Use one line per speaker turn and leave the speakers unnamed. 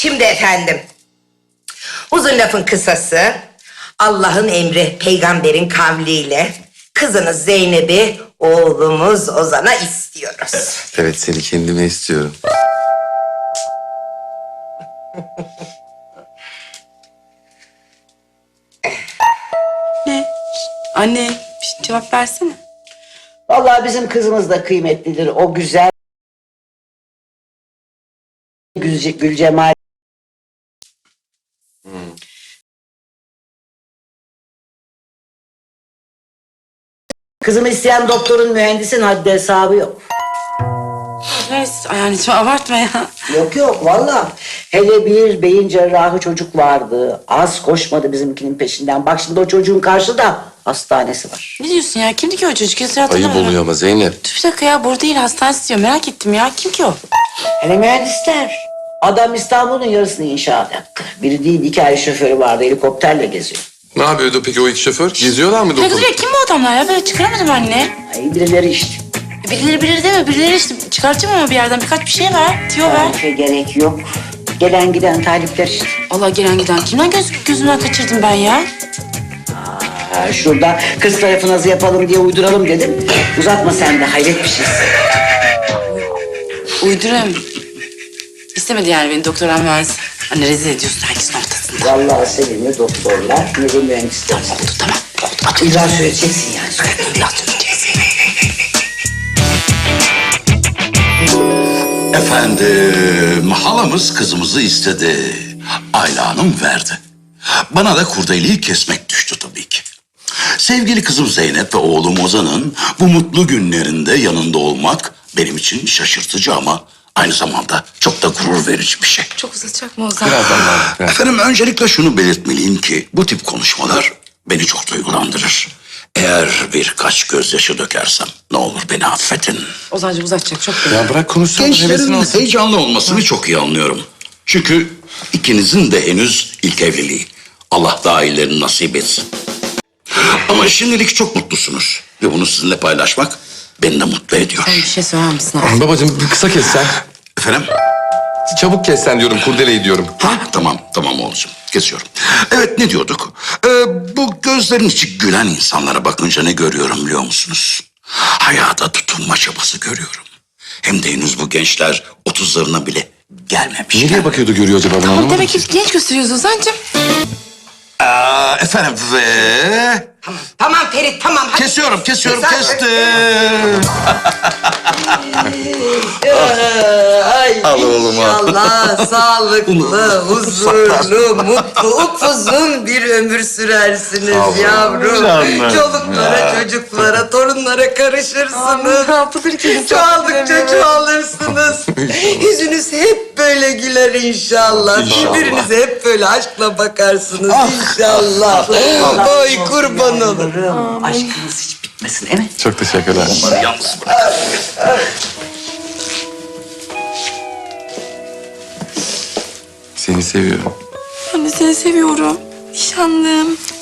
Şimdi efendim, uzun lafın kısası, Allah'ın emri, peygamberin kavliyle kızınız Zeynep'i oğlumuz Ozan'a istiyoruz.
Evet, seni kendime istiyorum.
Ne? Anne, bir cevap versene.
Vallahi bizim kızımız da kıymetlidir. O güzel Gülcemal. Kızımı isteyen doktorun, mühendisin haddi hesabı yok.
Neyse, ay anneciğim abartma ya.
Yok yok vallahi. Hele bir beyin cerrahı çocuk vardı. Az koşmadı bizimkinin peşinden. Bak şimdi o çocuğun karşıda hastanesi var.
Ne diyorsun ya? Kimdi ki o çocuk? Hiç
Ayıp
hatırlamıyorum.
oluyor ama Zeynep.
Dur bir dakika ya, burada değil, hastanesi diyor. Merak ettim ya. Kim ki o?
Hele mühendisler. Adam İstanbul'un yarısını inşaat yaptı. Biri değil, 2 ay şoförü vardı, helikopterle geziyor.
Ne yapıyordu peki o iki şoför? Geziyorlar mı
Ne
doktor?
kızıyor? Kim bu adamlar ya? Böyle çıkaramadım anne.
Ay birileri işte.
Birileri bilir deme. Birileri işte çıkartacağım ama bir yerden birkaç bir şey ver. Tiyo ver.
Tarife gerek yok. Gelen giden talipler işte.
Allah gelen giden. Kimden gözümden kaçırdım ben ya?
Ha, şurada kız tarafı nazı yapalım diye uyduralım dedim. Uzatma sen de, hayret bir şeysin.
Uydurayım. İstemedi yani beni doktoran mühendis. Anne rezil ediyorsun herkesin ortasında.
Vallahi seni ne doktorlar ne de mühendisler.
Tamam oldu tamam. Oldu.
İlla söyleyeceksin yani.
İlla söyleyeceksin.
Efendim, halamız kızımızı istedi. Ayla Hanım verdi. Bana da kurdeleyi kesmek düştü tabii ki. Sevgili kızım Zeynep ve oğlum Ozan'ın bu mutlu günlerinde yanında olmak benim için şaşırtıcı ama aynı zamanda çok da gurur verici bir şey.
Çok uzatacak mı Ozan?
Birazdan ben.
Efendim, öncelikle şunu belirtmeliyim ki bu tip konuşmalar beni çok duygulandırır. Eğer birkaç gözyaşı dökersem ne olur beni affedin.
Ozancığım uzatacak çok belli.
Ya bırak konuşsun. hevesini
Gençlerin
alsın.
heyecanlı olmasını çok iyi anlıyorum. Çünkü ikinizin de henüz ilk evliliği. Allah daha iyilerini nasip etsin. Ama şimdilik çok mutlusunuz. Ve bunu sizinle paylaşmak beni de mutlu ediyor.
Sen bir şey söyler misin abi?
Babacığım bir kısa kes sen.
Efendim?
Çabuk kes sen diyorum, kurdeleyi diyorum.
Tamam oğlum. Kesiyorum. Evet, ne diyorduk? Bu gözlerin içi gülen insanlara bakınca ne görüyorum biliyor musunuz? Hayata tutunma çabası görüyorum. Hem de henüz bu gençler 30'larına bile gelmemişler.
Nereye bakıyordu görüyor acaba bunu
Tamam
anlamadım
demek
ki.
ki genç gösteriyoruz Ozancığım.
Efendim ve...
Tamam Ferit, tamam. Hadi.
Kestim.
Ay,
Al oğlum, al.
İnşallah sağlıklı, huzurlu, mutlu, upuzun bir ömür sürersiniz yavrum. Çoluklara, çocuklara, torunlara karışırsınız.
Ne yapılır ki?
Çoğaldıkça çoğalırsınız. Yüzünüz hep böyle güler inşallah. Birbirinize hep böyle aşkla bakarsınız inşallah. Oy kurban olurum.
aşkınız hiç bitmesin, değil mi?
Çok teşekkürler.
Onları yalnız bırak.
Seni seviyorum.
Anne seni seviyorum. Nişanlım.